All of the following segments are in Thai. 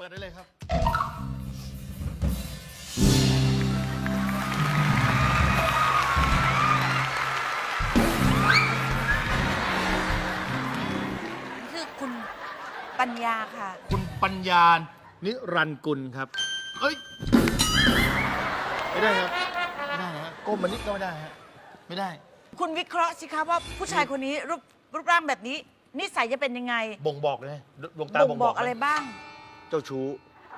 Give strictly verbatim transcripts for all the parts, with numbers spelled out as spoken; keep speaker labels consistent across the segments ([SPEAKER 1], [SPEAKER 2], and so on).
[SPEAKER 1] ปิดได้เลยครับ
[SPEAKER 2] คือคุณปัญญาค่ะ
[SPEAKER 1] คุณปัญญานิรันดร์กุลครับเอ้ยไม่ได้ครับไม่ได้ฮะก้มมานิดก็ไม่ได้ฮะไม่ได้
[SPEAKER 2] คุณวิเคราะห์สิคะว่าผู้ชายคนนี้รูปรูปร่างแบบนี้ นิสัยจะเป็นยังไง
[SPEAKER 1] บ่งบอกเลยดวงตา
[SPEAKER 2] บ่ง
[SPEAKER 1] บ่ง
[SPEAKER 2] บบ อ
[SPEAKER 1] อก ก
[SPEAKER 2] อะไรบ้าง
[SPEAKER 3] เจ้าชู้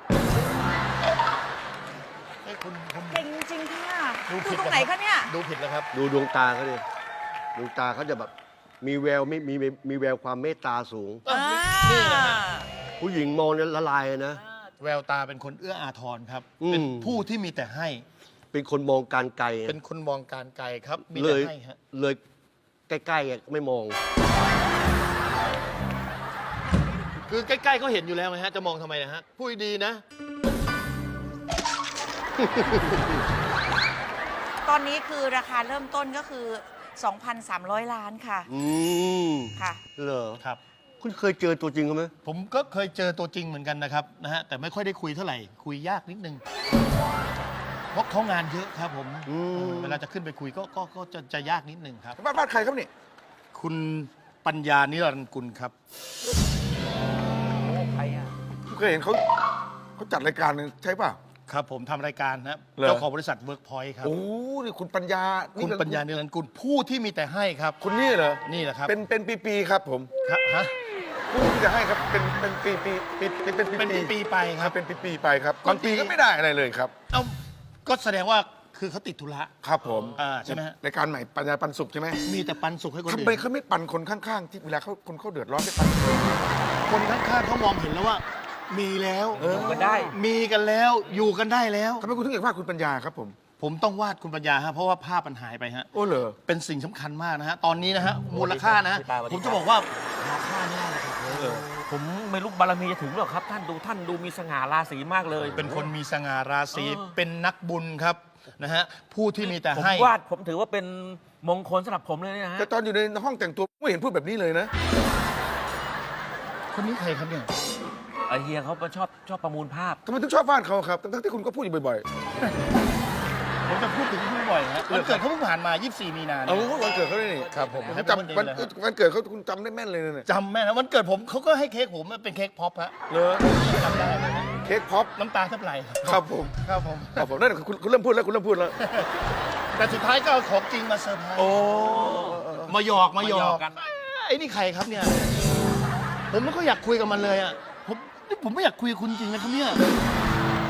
[SPEAKER 1] เอ้ยคุณคุณ
[SPEAKER 2] เก่งจริงๆค่ะ
[SPEAKER 1] ดู
[SPEAKER 2] ดู
[SPEAKER 1] ผิด
[SPEAKER 2] ตรงไหน
[SPEAKER 1] แล้ว
[SPEAKER 2] คะเนี่ย
[SPEAKER 1] ดูผิดแล้วครับ
[SPEAKER 3] ดูดวงตาเขาดิดวงตาเขาจะแบบมีแววไม่มีมีมีแววความเมตตาสูง
[SPEAKER 1] อ่ะ
[SPEAKER 2] อ่า
[SPEAKER 1] นี่นะฮะ
[SPEAKER 3] ผู้หญิงมองเนี่ยละลายเลยนะ
[SPEAKER 1] แววตาเป็นคนเอื้ออาทรครับ
[SPEAKER 3] อืม
[SPEAKER 1] เป็นผู้ที่มีแต่ให้
[SPEAKER 3] เป็นคนมองการไกล
[SPEAKER 1] เป็นคนมองการไกลครับ มี
[SPEAKER 3] เล
[SPEAKER 1] แต่
[SPEAKER 3] ย
[SPEAKER 1] ให้ฮะ
[SPEAKER 3] เลยใกล้ๆอ่ะไม่มอง
[SPEAKER 1] คือใกล้ๆเขาเห็นอยู่แล้วไงฮะ จะมองทำไมนะฮะ พูดดีๆนะ
[SPEAKER 2] ตอนนี้คือราคาเริ่มต้นก็คือ สองพันสามร้อย ล้านค่ะ
[SPEAKER 3] อืม
[SPEAKER 2] ค่ะ
[SPEAKER 3] เหรอ
[SPEAKER 1] ครับ
[SPEAKER 3] คุณเคยเจอตัวจริงเขาไหม
[SPEAKER 1] ผมก็เคยเจอตัวจริงเหมือนกันนะครับนะฮะ แต่ไม่ค่อยได้คุยเท่าไหร่ คุยยากนิดนึง เพราะเขางานเยอะครับผมเออเวลาจะขึ้นไปคุยก็ก็ก็จะจะยากนิดนึงครับ
[SPEAKER 4] บ้านบ้านใครครับนี่
[SPEAKER 1] คุณปัญญานิรันดร์กุลครับ
[SPEAKER 4] ผมเคยเห็นเขาเขาจัดรายการหนึงใช่ป่ะ
[SPEAKER 1] ครับผมทำรายการนะครับ
[SPEAKER 4] เหรอ
[SPEAKER 1] เจ้าของบริษัทเวิร์กพอยต์ครับ
[SPEAKER 4] โอ้นี่คุณปัญญา
[SPEAKER 1] คุณ
[SPEAKER 4] นี่
[SPEAKER 1] ปัญญานิรันดร์กุลผู้ที่มีแต่ให้ครับ
[SPEAKER 4] คุณนี่เหรอ
[SPEAKER 1] นี่แหละครับ
[SPEAKER 4] เป็นเป็นปีๆครับผม
[SPEAKER 1] ครับฮะ
[SPEAKER 4] ผู้ที่จะให้ครับเป็นเป็นปีปีปีเป็นเป็นปี
[SPEAKER 1] เป็นปีๆไปค
[SPEAKER 4] ค
[SPEAKER 1] รั
[SPEAKER 4] รับ บเป็นปีๆไปครับบางปีก็ไม่ได้อะไรเลยครับ
[SPEAKER 1] เอ้าก็แสดงว่าคือเขาติดธุระ
[SPEAKER 4] ครับผม
[SPEAKER 1] อ่าใช่ไหมฮะ
[SPEAKER 4] รายการใหม่ปัญญาปันสุขใช่ไหม
[SPEAKER 1] มีแต่ปันสุขให้คน
[SPEAKER 4] ทำ
[SPEAKER 1] อื่
[SPEAKER 4] ไม
[SPEAKER 1] น
[SPEAKER 4] เขาไม่ปันคนข้างๆ ที่เวลาเขาคนเขาเดือดร้อนไม่ปัน
[SPEAKER 1] คนข้างๆเขามองเห็นแล้วว่า มีแล้ว
[SPEAKER 5] อยู่กันได้
[SPEAKER 1] มีกันแล้วอยู่กันได้แล้ว
[SPEAKER 4] ทำไมคุณถึงอยากว่าคุณปัญญาครับผม
[SPEAKER 1] ผมต้องวาดคุณปัญญาฮะเพราะว่าภาพมันหายไปฮะ
[SPEAKER 4] โอ้เหรอ
[SPEAKER 1] เป็นสิ่งสำคัญมากนะฮะ ตอนนี้นะฮะ มูลค่านะฮะ
[SPEAKER 5] พี่ปาสวัสดี
[SPEAKER 1] ผม
[SPEAKER 5] ค
[SPEAKER 1] จะ
[SPEAKER 5] รับ
[SPEAKER 1] บอกว่าหาค่าไม่ได้เลยครับ
[SPEAKER 5] ผมไม่รู้บารมีจะถึงหรอกครับ ท่านดูท่านดูมีสง่าราศีมากเลย
[SPEAKER 1] เป็นคนมีสง่าราศี
[SPEAKER 5] เออ
[SPEAKER 1] เป็นนักบุญครับนะฮะ ผู้ที่มีแต่
[SPEAKER 5] ผม
[SPEAKER 1] ให้
[SPEAKER 5] วาดผมถือว่าเป็นมงคลสำหรับผมเลยนะฮะ
[SPEAKER 4] แต่ตอนอยู่ในห้องแต่งตัวไม่เห็นพูดแบบนี้เลยนะ
[SPEAKER 1] คนนี้ใครครับเนี่ย
[SPEAKER 5] ไอเฮียเขาชอบชอบประมูลภาพ
[SPEAKER 4] ทำไมถึงชอบวาดเขาครับทั้งๆที่คุณก็พูดอยู่บ่อย
[SPEAKER 1] ผมจะพูดถึงเขาบ่อยๆฮะวันเกิดเขาเพิ่งผ่านมา ยี่สิบสี่ มีนา
[SPEAKER 4] ๆ
[SPEAKER 1] เนี่
[SPEAKER 4] เอา
[SPEAKER 1] ย
[SPEAKER 4] วันเกิดเขาด้วยนี่
[SPEAKER 1] ครับผม
[SPEAKER 4] ผม
[SPEAKER 1] ให้
[SPEAKER 4] จำ
[SPEAKER 1] วั
[SPEAKER 4] วัน น
[SPEAKER 1] เกิดเลย
[SPEAKER 4] วันเกิดเขาคุณจำได้แม่นเลยนะเนี่ย
[SPEAKER 1] จำแม่นะวันเกิดผมเขาก็ให้เค้กผมเป็นเค้กพ็อปฮะ
[SPEAKER 4] เหรอ
[SPEAKER 1] จำได้เลยนะ
[SPEAKER 4] เค้กพ็อป
[SPEAKER 1] น้ำตาแทบไหล
[SPEAKER 4] ครับผม
[SPEAKER 1] ครับผม
[SPEAKER 4] ครับผมนั่นคุณคุณเริ่มพูดแล้วคุณเริ่มพูดแล้ว
[SPEAKER 1] แต่สุดท้ายก็เอาของจริงมาเซอร์ไพรส์
[SPEAKER 4] โอ้
[SPEAKER 1] มาหยอกมาหย
[SPEAKER 5] มาหย
[SPEAKER 1] อ
[SPEAKER 5] อก กกัน
[SPEAKER 1] ไอ้นี่ใครครับเนี่ย ผมไม่ค่อยอยากคุยกับมันเลยอ่ะผมนี่ผมไม่อยากคุยกับคุณจริงนะครับเนี่ย